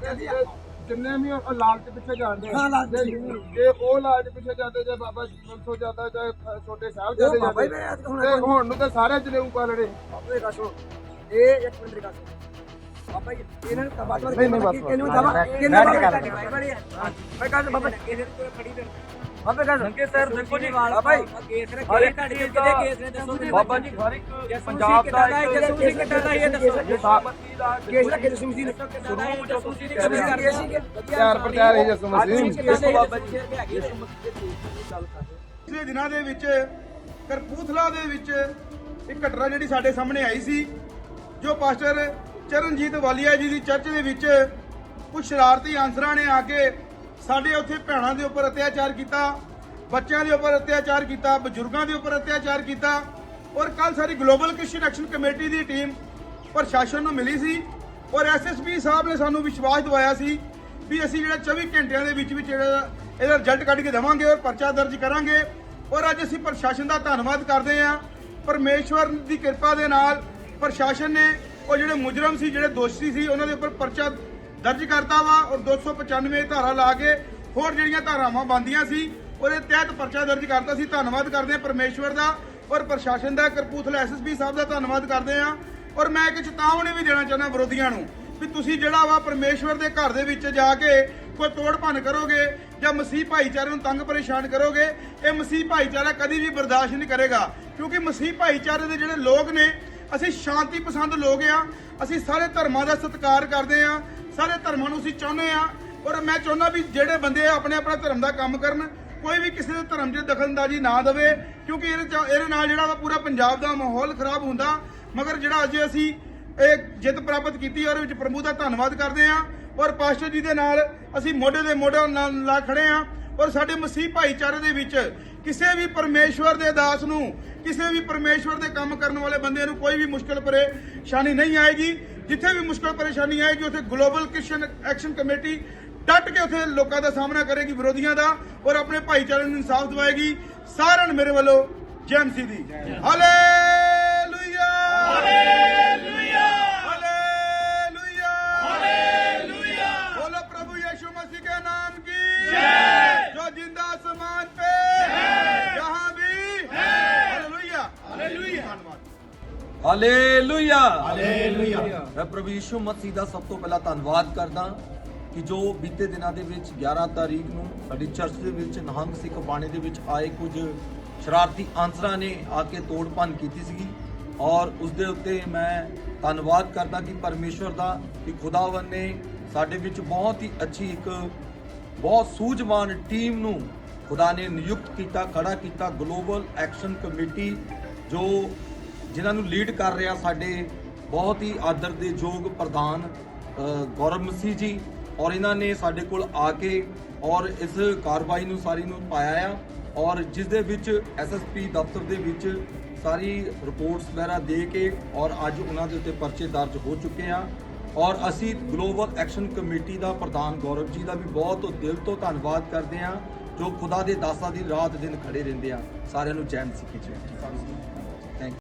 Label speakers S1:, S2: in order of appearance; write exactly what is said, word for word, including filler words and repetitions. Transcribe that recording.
S1: ਜਿੰਨੇ ਵੀ ਉਹ ਲਾਲਚ ਪਿੱਛੇ ਜਾਂਦੇ
S2: ਹਾਂ, ਲਾਲਚ
S1: ਜੇ ਜੇ ਉਹ ਲਾਲਚ ਪਿੱਛੇ ਜਾਂਦੇ ਜੇ ਬਾਬਾ ਬੰਸੋ ਜਾਂਦਾ ਜਾਂ ਛੋਟੇ ਸਾਹਿਬ ਜਾਂਦੇ
S2: ਬਾਬਾ
S1: ਜਾਂਦੇ
S2: ਜੀ ਮੈਂ ਹੁਣ
S1: ਤੇ ਹੁਣ ਨੂੰ ਤਾਂ ਸਾਰੇ ਜਨੇਊ ਪਾਲਣੇ
S2: ਬਾਬਾ ਜੀ ਦੱਸੋ ਇਹ ਇੱਕ ਮਿੰਟ ਦੀ ਗੱਲ ਸੁਣੋ ਬਾਬਾ ਜੀ ਇਹਨਾਂ ਨੂੰ ਬਾਬਾ
S1: ਨਹੀਂ, ਨਹੀਂ, ਬਸ,
S2: ਕਿਹਨੂੰ
S1: ਬਸ।
S2: ਜਾਵਾ
S1: ਬੈਠ ਕੇ
S2: ਕਿਹਨੂੰ
S1: ਗੱਲ
S2: ਬਾਬਾ
S1: ਕਰੋ।
S2: ਮੈਂ ਕਹਿੰਦਾ ਬਾਬਾ ਇਹਦੇ ਤੋਂ ਖੜੀ ਦੇ ਬਾਬਾ ਕਹਿੰਦਾ
S3: ਸੰਕੇ ਸਰ ਦੇਖੋ ਜੀ
S2: ਬਾਬਾ ਜੀ
S3: ਕੇਸ ਨੇ ਕਿਹੜੇ ਤੁਹਾਡੇ ਕਿਹਦੇ ਕੇਸ ਨੇ ਦੱਸੋ ਬਾਬਾ ਜੀ ਹਰ ਇੱਕ ਪੰਜਾਬ ਦਾ
S2: ਜਸੂ ਸਿੰਘ ਕਿੱਦਾਂ ਦਾ ਇਹ ਦੱਸੋ
S3: ਸਾਬਤੀ ਦਾ
S2: ਕੇਸ ਦਾ ਕਿਹਦੇ ਸਿੰਘ ਸੀ ਨੇ
S3: ਸ਼ੁਰੂ ਜਸੂਸੀ ਦੀ
S2: ਕਦੇ ਕਰਦੇ ਸੀ
S1: ਚਾਰ ਪ੍ਰਚਾਰ ਹੀ ਜਸੂ ਮਸੀਹ
S3: ਦੱਸੋ ਬਾਬਾ ਜੀ
S4: ਪਿਛਲੇ ਦਿਨਾਂ ਦੇ ਵਿੱਚ ਕਰਪੂਥਲਾ ਦੇ ਵਿੱਚ ਇੱਕ ਘਟਨਾ ਜਿਹੜੀ ਸਾਡੇ ਸਾਹਮਣੇ ਆਈ ਸੀ ਜੋ ਪਾਸਟਰ ਚਰਨਜੀਤ ਵਾਲੀਆ ਜੀ ਦੀ ਚਰਚ ਦੇ ਵਿੱਚ ਕੁਝ ਸ਼ਰਾਰਤੀ ਆਂਸਰਾਂ ਨੇ ਆ ਕੇ ਸਾਡੇ ਉੱਥੇ ਭੈਣਾਂ ਦੇ ਉੱਪਰ ਅਤਿਆਚਾਰ ਕੀਤਾ, ਬੱਚਿਆਂ ਦੇ ਉੱਪਰ ਅਤਿਆਚਾਰ ਕੀਤਾ, ਬਜ਼ੁਰਗਾਂ ਦੇ ਉੱਪਰ ਅਤਿਆਚਾਰ ਕੀਤਾ। ਔਰ ਕੱਲ ਸਾਡੀ ਗਲੋਬਲ ਕ੍ਰਿਸਚੀਅਨ ਐਕਸ਼ਨ ਕਮੇਟੀ ਦੀ ਟੀਮ ਪ੍ਰਸ਼ਾਸਨ ਨੂੰ ਮਿਲੀ ਸੀ ਔਰ ਐਸਐਸਪੀ ਸਾਹਿਬ ਨੇ ਸਾਨੂੰ ਵਿਸ਼ਵਾਸ ਦਿਵਾਇਆ ਸੀ ਵੀ ਅਸੀਂ ਜਿਹੜਾ ਚੌਵੀ ਘੰਟਿਆਂ ਦੇ ਵਿੱਚ ਵਿੱਚ ਜਿਹੜਾ ਇਹਦਾ ਰਿਜ਼ਲਟ ਕੱਢ ਕੇ ਦੇਵਾਂਗੇ ਔਰ ਪਰਚਾ ਦਰਜ ਕਰਾਂਗੇ। ਔਰ ਅੱਜ ਅਸੀਂ ਪ੍ਰਸ਼ਾਸਨ ਦਾ ਧੰਨਵਾਦ ਕਰਦੇ ਹਾਂ। ਪਰਮੇਸ਼ਵਰ ਦੀ ਕਿਰਪਾ ਦੇ ਨਾਲ ਪ੍ਰਸ਼ਾਸਨ ਨੇ ਉਹ ਜਿਹੜੇ ਮੁਜਰਮ ਸੀ, ਜਿਹੜੇ ਦੋਸ਼ੀ ਸੀ, ਉਹਨਾਂ ਦੇ ਉੱਪਰ ਪਰਚਾ ਦਰਜ ਕਰਤਾ ਵਾ ਔਰ ਦੋ ਸੌ ਪਚਾਨਵੇਂ ਧਾਰਾ ਲਾ ਕੇ ਹੋਰ ਜਿਹੜੀਆਂ ਧਾਰਾਵਾਂ ਬੰਦੀਆਂ ਸੀ ਉਹਦੇ ਤਹਿਤ ਪਰਚਾ ਦਰਜ ਕਰਤਾ ਸੀ। ਧੰਨਵਾਦ ਕਰਦੇ ਹਾਂ ਪਰਮੇਸ਼ਵਰ ਦਾ ਔਰ ਪ੍ਰਸ਼ਾਸਨ ਦਾ, ਕਰਪੂਥਲਾ ਐਸਐਸਪੀ ਸਾਹਿਬ ਦਾ ਧੰਨਵਾਦ ਕਰਦੇ ਹਾਂ। ਔਰ ਮੈਂ ਇੱਕ ਚੇਤਾਵਨੀ ਵੀ ਦੇਣਾ ਚਾਹੁੰਦਾ ਵਿਰੋਧੀਆਂ ਨੂੰ ਵੀ ਤੁਸੀਂ ਜਿਹੜਾ ਵਾ ਪਰਮੇਸ਼ਵਰ ਦੇ ਘਰ ਦੇ ਵਿੱਚ ਜਾ ਕੇ ਕੋਈ ਤੋੜ ਭੰਨ ਕਰੋਗੇ ਜਾਂ ਮਸੀਹ ਭਾਈਚਾਰੇ ਨੂੰ ਤੰਗ ਪਰੇਸ਼ਾਨ ਕਰੋਗੇ, ਇਹ ਮਸੀਹ ਭਾਈਚਾਰਾ ਕਦੀ ਵੀ ਬਰਦਾਸ਼ਤ ਨਹੀਂ ਕਰੇਗਾ। ਕਿਉਂਕਿ ਮਸੀਹ ਭਾਈਚਾਰੇ ਦੇ ਜਿਹੜੇ ਲੋਕ ਨੇ, ਅਸੀਂ ਸ਼ਾਂਤੀ ਪਸੰਦ ਲੋਕ ਆ, ਅਸੀਂ ਸਾਰੇ ਧਰਮਾਂ ਦਾ ਸਤਿਕਾਰ ਕਰਦੇ ਆ, ਸਾਰੇ ਧਰਮਾਂ ਨੂੰ ਅਸੀਂ ਚਾਹੁੰਦੇ ਆ। ਔਰ ਮੈਂ ਚਾਹੁੰਦਾ ਵੀ ਜਿਹੜੇ ਬੰਦੇ ਆਪਣੇ ਆਪਣਾ ਧਰਮ ਦਾ ਕੰਮ ਕਰਨ, ਕੋਈ ਵੀ ਕਿਸੇ ਦੇ ਧਰਮ 'ਚ ਦਖਲਅੰਦਾਜ਼ੀ ਨਾ ਦੇਵੇ ਕਿਉਂਕਿ ਇਹਦੇ 'ਚ ਇਹਦੇ ਨਾਲ ਜਿਹੜਾ ਵਾ ਪੂਰਾ ਪੰਜਾਬ ਦਾ ਮਾਹੌਲ ਖਰਾਬ ਹੁੰਦਾ। ਮਗਰ ਜਿਹੜਾ ਅੱਜ ਅਸੀਂ ਇਹ ਜਿੱਤ ਪ੍ਰਾਪਤ ਕੀਤੀ ਔਰ ਵਿੱਚ ਪ੍ਰਭੂ ਦਾ ਧੰਨਵਾਦ ਕਰਦੇ ਆ ਔਰ ਪਾਸਟਰ ਜੀ ਦੇ ਨਾਲ ਅਸੀਂ ਮੋਢੇ ਦੇ ਮੋਢੇ ਨਾਲ ਲਾ ਖੜੇ ਆ। ਔਰ ਸਾਡੇ ਮਸੀਹ ਭਾਈਚਾਰੇ ਦੇ ਵਿੱਚ ਕਿਸੇ ਵੀ ਪਰਮੇਸ਼ਵਰ ਦੇ ਦਾਸ ਨੂੰ, ਕਿਸੇ ਵੀ ਪਰਮੇਸ਼ਵਰ ਦੇ ਕੰਮ ਕਰਨ ਵਾਲੇ ਬੰਦੇ ਨੂੰ ਕੋਈ ਵੀ ਮੁਸ਼ਕਲ ਪਰੇਸ਼ਾਨੀ ਨਹੀਂ ਆਏਗੀ। ਜਿੱਥੇ ਵੀ ਮੁਸ਼ਕਲ ਪਰੇਸ਼ਾਨੀ ਆਏਗੀ ਉੱਥੇ ਗਲੋਬਲ ਕ੍ਰਿਸਚੀਅਨ ਐਕਸ਼ਨ ਕਮੇਟੀ ਡਟ ਕੇ ਉੱਥੇ ਲੋਕਾਂ ਦਾ ਸਾਹਮਣਾ ਕਰੇਗੀ, ਵਿਰੋਧੀਆਂ ਦਾ, ਔਰ ਆਪਣੇ ਭਾਈਚਾਰੇ ਨੂੰ ਇਨਸਾਫ ਦਿਵਾਏਗੀ। ਸਾਰਿਆਂ ਨੂੰ ਮੇਰੇ ਵੱਲੋਂ ਜੈ ਮਸੀਹ ਦੀ। Hallelujah hallelujah hallelujah hallelujah. बोलो प्रभु यीशु मसीह के नाम की जय, जो जिंदा आसमान पे है, जहां भी है। हालेलुया हालेलुया धन्यवाद।
S3: Hallelujah hallelujah. ਮੈਂ ਪ੍ਰਭੂ ਯਿਸੂ ਮਸੀਹ ਦਾ ਸਭ ਤੋਂ ਪਹਿਲਾਂ ਧੰਨਵਾਦ ਕਰਦਾ ਕਿ ਜੋ ਬੀਤੇ ਦਿਨਾਂ ਦੇ ਵਿੱਚ ਗਿਆਰਾਂ ਤਾਰੀਖ ਨੂੰ ਸਾਡੀ ਚਰਚ ਦੇ ਵਿੱਚ ਨਿਹੰਗ ਸਿੱਖ ਬਾਣੇ ਦੇ ਵਿੱਚ ਆਏ ਕੁਝ ਸ਼ਰਾਰਤੀ ਆਂਸਰਾਂ ਨੇ ਆ ਕੇ ਤੋੜ ਭੰਨ ਕੀਤੀ ਸੀਗੀ ਔਰ ਉਸ ਦੇ ਉੱਤੇ ਮੈਂ ਧੰਨਵਾਦ ਕਰਦਾ ਕਿ ਪਰਮੇਸ਼ਵਰ ਦਾ ਕਿ ਖੁਦਾਵੰਦ ਨੇ ਸਾਡੇ ਵਿੱਚ ਬਹੁਤ ਹੀ ਅੱਛੀ ਇੱਕ ਬਹੁਤ ਸੂਝਵਾਨ ਟੀਮ ਨੂੰ ਖੁਦਾ ਨੇ ਨਿਯੁਕਤ ਕੀਤਾ, ਖੜਾ ਕੀਤਾ। ਗਲੋਬਲ ਐਕਸ਼ਨ ਕਮੇਟੀ ਜੋ ਜਿਨ੍ਹਾਂ ਨੂੰ ਲੀਡ ਕਰ ਰਿਹਾ ਸਾਡੇ ਬਹੁਤ ਹੀ ਆਦਰ ਦੇ ਯੋਗ ਪ੍ਰਧਾਨ ਗੌਰਵ ਮਸੀਹ ਜੀ ਔਰ ਇਹਨਾਂ ਨੇ ਸਾਡੇ ਕੋਲ ਆ ਕੇ ਔਰ ਇਸ ਕਾਰਵਾਈ ਨੂੰ ਸਾਰੀ ਨੂੰ ਪਾਇਆ ਆ ਔਰ ਜਿਸ ਦੇ ਵਿੱਚ ਐਸਐਸਪੀ ਦਫ਼ਤਰ ਦੇ ਵਿੱਚ ਸਾਰੀ ਰਿਪੋਰਟਸ ਵਗੈਰਾ ਦੇ ਕੇ ਔਰ ਅੱਜ ਉਹਨਾਂ ਦੇ ਉੱਤੇ ਪਰਚੇ ਦਰਜ ਹੋ ਚੁੱਕੇ ਆ। ਔਰ ਅਸੀਂ ਗਲੋਬਲ ਐਕਸ਼ਨ ਕਮੇਟੀ ਦਾ ਪ੍ਰਧਾਨ ਗੌਰਵ ਜੀ ਦਾ ਵੀ ਬਹੁਤ ਦਿਲ ਤੋਂ ਧੰਨਵਾਦ ਕਰਦੇ ਆ ਜੋ ਖੁਦਾ ਦੇ ਦਾਸਾਂ ਦੀ ਰਾਤ ਦਿਨ ਖੜੇ ਰਹਿੰਦੇ ਆ। ਸਾਰਿਆਂ ਨੂੰ ਜੈ ਮਸੀਹ ਦੀ ਜੈ।